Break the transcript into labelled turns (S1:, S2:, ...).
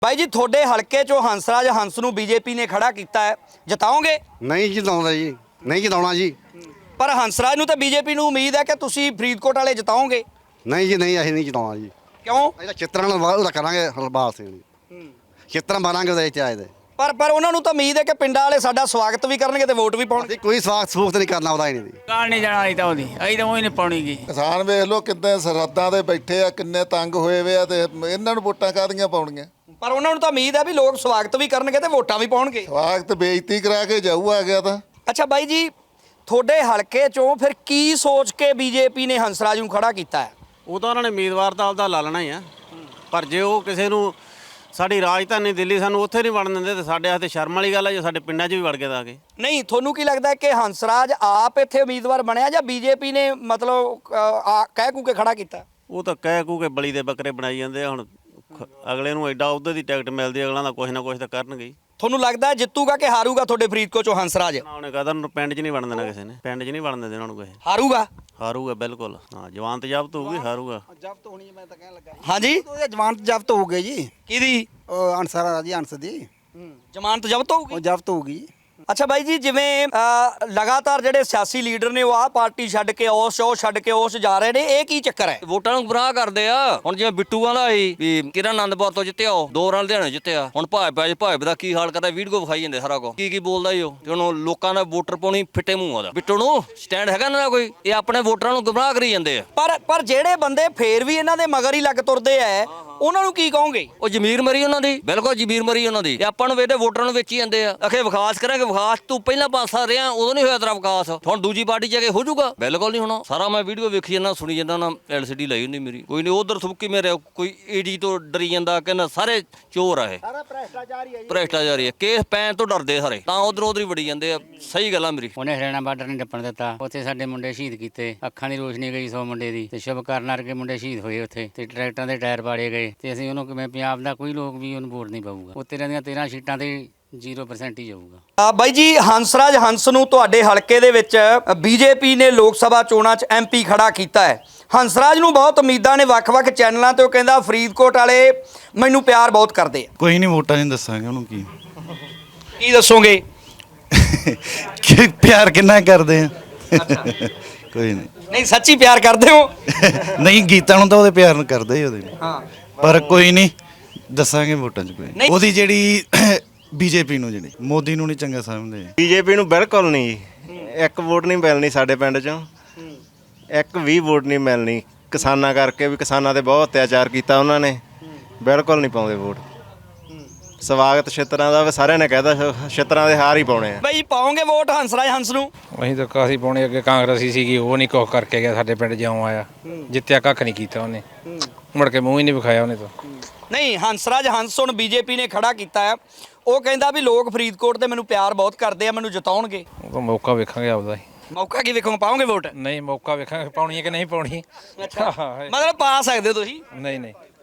S1: भाई जी थोड़े हल्के चो हंसराज हंस नूं बीजेपी ने खड़ा किया है, जिताओगे?
S2: नहीं जिताउंदा जी, नहीं जिताउणा जी।
S1: पर हंसराज नूं तो बीजेपी नूं उम्मीद है कि तुसीं फरीदकोट वाले जिताओगे।
S2: नहीं जी नहीं, ਅਸੀਂ नहीं ਜਿਤਾਉਣਾ ਜੀ।
S1: क्यों?
S2: ਅਸੀਂ ਤਾਂ ਚਿੱਤਰਾਂ ਨਾਲ ਉਹਦਾ ਕਰਾਂਗੇ ਹਰਬਾਲ ਸਿੰਘ ਜੀ। ਚਿੱਤਰਾਂ ਮਾਰਾਂਗੇ ਉਹਦੇ ਚ ਆਏ ਦੇ।
S1: पर उन्होंने तो उम्मीद है कि पिंडां वाले साडा स्वागत भी करनगे ते वोट भी पाउणगे।
S2: ਅਸੀਂ ਕੋਈ ਸਵਾਗਤ ਨਹੀਂ ਕਰਨਾ ਉਹਦਾ ਹੀ ਨਹੀਂ।
S3: ਕਾਲ ਨਹੀਂ ਜਾਣਾ ਅਸੀਂ ਤਾਂ ਉਹਦੀ ਅਸੀਂ ਤਾਂ ਉਹੀ ਨਹੀਂ ਪਾਉਣੀ ਗੀ।
S4: ਕਿਸਾਨ ਵੇਖ ਲਓ ਕਿੰਨੇ ਸਰਹੱਦਾਂ ਤੇ ਬੈਠੇ ਆ, ਕਿੰਨੇ ਤੰਗ ਹੋਏ ਵੇ ਆ ਤੇ ਇਹਨਾਂ ਨੂੰ ਵੋਟਾਂ ਕਾਹਦੀਆਂ ਪਾਉਣੀਆਂ।
S1: पर उन्होंने तो उम्मीद है भी लोग स्वागत भी करनगे ते वोटां भी पाउणगे।
S4: ਸਵਾਗਤ ਬੇਇੱਜ਼ਤੀ ਕਰਾ ਕੇ ਜਾਊ ਆ ਗਿਆ ਤਾਂ।
S1: अच्छा बाई जी थोड़े हल्के चों फिर की सोच के बीजेपी ने हंसराज नूं खड़ा किया है?
S5: ਉਹ ਤਾਂ ਉਹਨਾਂ ਨੇ ਉਮੀਦਵਾਰ ਤਾਂ ਆਪਦਾ ਲਾ ਲੈਣਾ ਹੀ ਆ, ਪਰ ਜੇ ਉਹ ਕਿਸੇ ਨੂੰ ਸਾਡੀ ਰਾਜਧਾਨੀ ਦਿੱਲੀ ਸਾਨੂੰ ਉੱਥੇ ਨਹੀਂ ਵੜਨ ਦਿੰਦੇ ਤੇ ਸਾਡੇ ਹੱਥੇ ਸ਼ਰਮ ਵਾਲੀ ਗੱਲ ਹੈ ਜੇ ਸਾਡੇ ਪਿੰਡਾਂ 'ਚ ਵੀ ਵੜ ਕੇ ਤਾਂ ਆ ਕੇ।
S1: नहीं थोनू की लगता है कि हंसराज आप इत्थे उम्मीदवार बनया या बीजेपी ने मतलब कह कू के खड़ा किया?
S5: ਉਹ ਤਾਂ ਕਹਿ ਕੂ ਕੇ ਬਲੀ ਦੇ ਬੱਕਰੇ ਬਣਾਈ ਜਾਂਦੇ ਆ। ਹੁਣ ਅਗਲੇ ਨੂੰ ਐਡਾ ਉਹਦੇ ਦੀ ਟਿਕਟ ਮਿਲਦੀ, ਅਗਲਾ ਦਾ ਕੁਛ ਨਾ ਕੁਛ ਤਾਂ ਕਰਨਗੇ ਹੀ।
S1: ਤੁਹਾਨੂੰ ਲੱਗਦਾ ਹੈ ਜਿੱਤੂਗਾ ਕਿ ਹਾਰੂਗਾ ਤੁਹਾਡੇ ਫਰੀਦਕੋਟ ਚੋਂ ਹੰਸਰਾਜ?
S5: ਨਾ ਉਹਨੇ ਕਹਦਾ ਉਹਨੂੰ ਪਿੰਡ 'ਚ ਨਹੀਂ ਵੜਨ ਦੇਣਾ, ਕਿਸੇ ਨੇ ਪਿੰਡ 'ਚ ਨਹੀਂ ਵੜਨ ਦਿੰਦੇ ਉਹਨਾਂ ਨੂੰ ਕਿਸੇ।
S1: ਹਾਰੂਗਾ?
S5: ਹਾਰੂਗਾ ਬਿਲਕੁਲ, ਹਾਂ ਜਵਾਨਤ ਜ਼ਬਤ ਹੋਊਗੀ, ਹਾਰੂਗਾ।
S6: ਜ਼ਬਤ ਹੋਣੀ ਹੈ, ਮੈਂ ਤਾਂ ਕਹਿਣ ਲੱਗਾ
S1: ਹਾਂਜੀ
S6: ਉਹਦੇ ਜ਼ਮਾਨਤ ਜ਼ਬਤ ਹੋ ਗਈ ਜੀ।
S1: ਕਿਹਦੀ?
S6: ਉਹ ਅਨਸਰ ਜੀ, ਅਨਸ ਦੀ
S1: ਜ਼ਮਾਨਤ ਜ਼ਬਤ ਹੋਊਗੀ?
S6: ਉਹ ਜ਼ਬਤ ਹੋ ਗਈ।
S1: ਅੱਛਾ ਬਾਈ ਜੀ ਜਿਵੇਂ ਲਗਾਤਾਰ ਜਿਹੜੇ ਸਿਆਸੀ ਲੀਡਰ ਨੇ ਉਹ ਆਹ ਪਾਰਟੀ ਛੱਡ ਕੇ ਉਸ ਉਹ ਛੱਡ ਕੇ ਉਸ ਜਾ ਰਹੇ ਨੇ, ਇਹ ਕੀ ਚੱਕਰ ਹੈ?
S7: ਵੋਟਾਂ ਨੂੰ ਗੁੰਮਰਾਹ ਕਰਦੇ ਆ। ਹੁਣ ਜਿਵੇਂ ਬਿੱਟੂ ਆਂਦਾ ਸੀ ਵੀ ਕਿਰਨ ਆਨੰਦਪੁਰ ਤੋਂ ਜਿੱਤਿਆ, ਉਹ 2 ਰਨ ਲੁਧਿਆਣੇ ਜਿੱਤਿਆ। ਹੁਣ ਭਾਜਪਾ ਦਾ ਕੀ ਹਾਲ ਕਰਦਾ, ਵੀਡੀਓ ਵਿਖਾਈ ਜਾਂਦੇ ਸਾਰਾ ਕੁਝ, ਕੀ ਬੋਲਦਾ ਈ ਉਹ। ਤੇ ਹੁਣ ਲੋਕਾਂ ਦਾ ਵੋਟਰ ਪਾਉਣੀ ਫਿੱਟੇ ਮੂੰਹ ਆਦਾ। ਬਿੱਟੂ ਨੂੰ ਸਟੈਂਡ ਹੈਗਾ ਨਾ ਕੋਈ, ਇਹ ਆਪਣੇ ਵੋਟਰਾਂ ਨੂੰ ਗੁੰਮਰਾਹ ਕਰੀ ਜਾਂਦੇ ਆ।
S1: ਪਰ ਜਿਹੜੇ ਬੰਦੇ ਫੇਰ ਵੀ ਇਹਨਾਂ ਦੇ ਮਗਰ ਹੀ ਲੱਗ ਤੁਰਦੇ ਆ, ਉਹਨਾਂ ਨੂੰ ਕੀ ਕਹੋਗੇ?
S7: ਉਹ ਜ਼ਮੀਰ ਮਰੀ ਉਹਨਾਂ ਦੀ, ਬਿਲਕੁਲ ਜ਼ਮੀਰ ਮਰੀ ਉਹਨਾਂ ਦੀ। ਆਪਾਂ ਨੂੰ ਵੇਦੇ ਵੋਟਰਾਂ ਨੂੰ ਵੇਚੀ ਜਾਂਦੇ ਆ। ਅਖੇ ਵਿਕਾਸ ਕਰਾਂਗੇ, ਵਿਕਾਸ ਤੂੰ ਪਹਿਲਾਂ ਪਾਸਾ ਰਿਹਾ ਉਦੋਂ ਨਹੀਂ ਹੋਇਆ ਤੇਰਾ ਵਿਕਾਸ, ਹੁਣ ਦੂਜੀ ਪਾਰਟੀ ਜਾ ਕੇ ਹੋ ਜਾਊਗਾ? ਬਿਲਕੁਲ ਨਹੀਂ ਹੋਣਾ। ਸਾਰਾ ਮੈਂ ਵੀਡੀਓ ਵੇਖੀ ਜਾਂਦਾ, ਸੁਣੀ ਜਾਂਦਾ ਨਾ, LCD ਲਾਈ ਹੁੰਦੀ ਮੇਰੀ। ਕੋਈ ਨਹੀਂ ਉਧਰ ਥੁੱਕੀ ਮੇਰੇ, ਕੋਈ ਈਡੀ ਤੋਂ ਡਰੀ ਜਾਂਦਾ, ਕਹਿੰਦਾ ਸਾਰੇ ਚੋਰ ਆ ਇਹ, ਸਾਰਾ ਭ੍ਰਿਸ਼ਟਾਚਾਰੀ ਹੈ। ਕੇਸ ਪੈਣ ਤੋਂ ਡਰਦੇ ਸਾਰੇ, ਤਾਂ ਉਧਰ ਹੀ ਵੜੀ ਜਾਂਦੇ ਆ। ਸਹੀ ਗੱਲ ਆ ਮੇਰੀ।
S3: ਉਹਨੇ ਹਰਿਆਣਾ ਬਾਰਡਰ ਨਹੀਂ ਟੱਪਣ ਦਿੱਤਾ। ਉੱਥੇ ਸਾਡੇ ਮੁੰਡੇ ਸ਼ਹੀਦ ਕੀਤੇ, ਅੱਖਾਂ ਦੀ ਰੋਸ਼ਨੀ ਗਈ 100 ਮੁੰਡੇ ਦੀ, ਤੇ ਸ਼ੁਭ ਕਰਨ ਵਰਗੇ ਮੁੰਡੇ ਸ਼ਹੀਦ ਹੋਏ ਉੱਥੇ, ਤੇ ਟਰੈਕਟਰਾਂ ਦੇ ਟਾਇਰ ਪਾੜੇ ਗਏ। ਤੇ ਅਸੀਂ ਉਹਨੂੰ ਕਿਵੇਂ, ਪੰਜਾਬ ਦਾ ਕੋਈ ਲੋਕ ਵੀ ਉਹਨੂੰ ਵੋਟ ਨਹੀਂ ਪਾਊਗਾ। ਉੱਤੇ ਦੀਆਂ 13 ਸੀਟਾਂ ਤੇ 0% ਹੀ ਜਾਊਗਾ।
S1: ਬਾਈ ਜੀ ਹੰਸਰਾਜ ਹੰਸ ਨੂੰ ਤੁਹਾਡੇ ਹਲਕੇ ਦੇ ਵਿੱਚ ਬੀਜੇਪੀ ਨੇ ਲੋਕ ਸਭਾ ਚੋਣਾਂ 'ਚ MP ਖੜਾ ਕੀਤਾ ਹੈ। ਹੰਸਰਾਜ ਨੂੰ ਬਹੁਤ ਉਮੀਦਾਂ ਨੇ ਵੱਖ-ਵੱਖ ਚੈਨਲਾਂ ਤੇ। ਉਹ ਕਹਿੰਦਾ ਫਰੀਦਕੋਟ ਵਾਲੇ ਮੈਨੂੰ ਪਿਆਰ ਬਹੁਤ ਕਰਦੇ ਆ।
S8: ਕੋਈ ਨਹੀਂ, ਵੋਟਾਂ ਨਹੀਂ ਦੱਸਾਂਗੇ ਉਹਨੂੰ।
S1: ਕੀ ਦੱਸੋਗੇ?
S8: ਕਿ ਪਿਆਰ ਕਿੰਨਾ ਕਰਦੇ ਆ। ਕੋਈ ਨਹੀਂ,
S1: ਨਹੀਂ ਸੱਚੀ ਪਿਆਰ ਕਰਦੇ ਹੋ?
S8: ਨਹੀਂ ਗੀਤਾਂ ਨੂੰ ਤਾਂ ਉਹਦੇ ਪਿਆਰ ਨੂੰ ਕਰਦੇ ਹੀ ਉਹਦੇ।
S1: ਹਾਂ
S8: ਪਰ ਕੋਈ ਨਹੀਂ ਦੱਸਾਂਗੇ ਵੋਟਾਂ 'ਚ। ਕੋਈ
S1: ਨਹੀਂ।
S8: ਉਹਦੀ ਜਿਹੜੀ ਬੀਜੇਪੀ ਨੂੰ, ਜਿਹੜੀ ਮੋਦੀ ਨੂੰ ਨਹੀਂ ਚੰਗਾ ਸਮਝਦੇ।
S9: ਬੀਜੇਪੀ ਨੂੰ ਬਿਲਕੁਲ ਨਹੀਂ ਜੀ। ਇੱਕ ਵੋਟ ਨਹੀਂ ਮਿਲਣੀ ਸਾਡੇ ਪਿੰਡ 'ਚੋਂ, ਇੱਕ ਵੀ ਵੋਟ ਨਹੀਂ ਮਿਲਣੀ। ਕਿਸਾਨਾਂ ਕਰਕੇ ਵੀ, ਕਿਸਾਨਾਂ ਤੇ ਬਹੁਤ ਅਤਿਆਚਾਰ ਕੀਤਾ ਉਹਨਾਂ ਨੇ, ਬਿਲਕੁਲ ਨਹੀਂ ਪਾਉਂਦੇ ਵੋਟ। ਸਵਾਗਤ ਛਿੱਤਰਾਂ ਦਾ ਸਾਰਿਆਂ ਨੇ ਕਹਿਦਾ, ਛਿੱਤਰਾਂ ਦੇ ਹਾਰ ਹੀ ਪਾਉਣੇ ਆ।
S1: ਬਾਈ ਪਾਓਗੇ ਵੋਟ ਹੰਸਰਾਜ ਹੰਸ ਨੂੰ?
S10: ਅਸੀਂ ਤਾਂ ਕਾਸੀ ਪਾਉਣੇ। ਅੱਗੇ ਕਾਂਗਰਸੀ ਸੀਗੀ, ਉਹ ਨਹੀਂ ਕੁਛ ਕਰਕੇ ਗਿਆ ਸਾਡੇ ਪਿੰਡ। ਜਿਉਂ ਆਇਆ ਜਿੱਤਿਆ, ਕੱਖ ਨਹੀਂ ਕੀਤਾ ਉਹਨੇ, ਮੁੜ ਕੇ ਮੂੰਹ ਹੀ ਨਹੀਂ ਵਿਖਾਇਆ ਉਹਨੇ ਤਾਂ।
S1: ਨਹੀਂ ਹੰਸਰਾਜ ਹੰਸ ਹੁਣ ਬੀਜੇਪੀ ਨੇ ਖੜਾ ਕੀਤਾ ਹੈ। ਉਹ ਕਹਿੰਦਾ ਵੀ ਲੋਕ ਫਰੀਦਕੋਟ ਤੇ ਮੈਨੂੰ ਪਿਆਰ ਬਹੁਤ ਕਰਦੇ ਆ, ਮੈਨੂੰ ਜਿਤਾਉਣਗੇ।
S10: ਉਹ ਤਾਂ ਮੌਕਾ ਵੇਖਾਂਗੇ ਆਪਦਾ ਹੀ।
S1: ਮੌਕਾ ਕੀ ਵੇਖੋਗੇ, ਪਾਓਗੇ ਵੋਟ?
S10: ਨਹੀਂ, ਮੌਕਾ ਵੇਖਾਂਗੇ ਪਾਉਣੀ ਹੈ ਕਿ ਨਹੀਂ ਪਾਉਣੀ।
S1: ਮਤਲਬ ਪਾ ਸਕਦੇ ਹੋ ਤੁਸੀਂ?
S10: ਨਹੀਂ ਨਹੀਂ।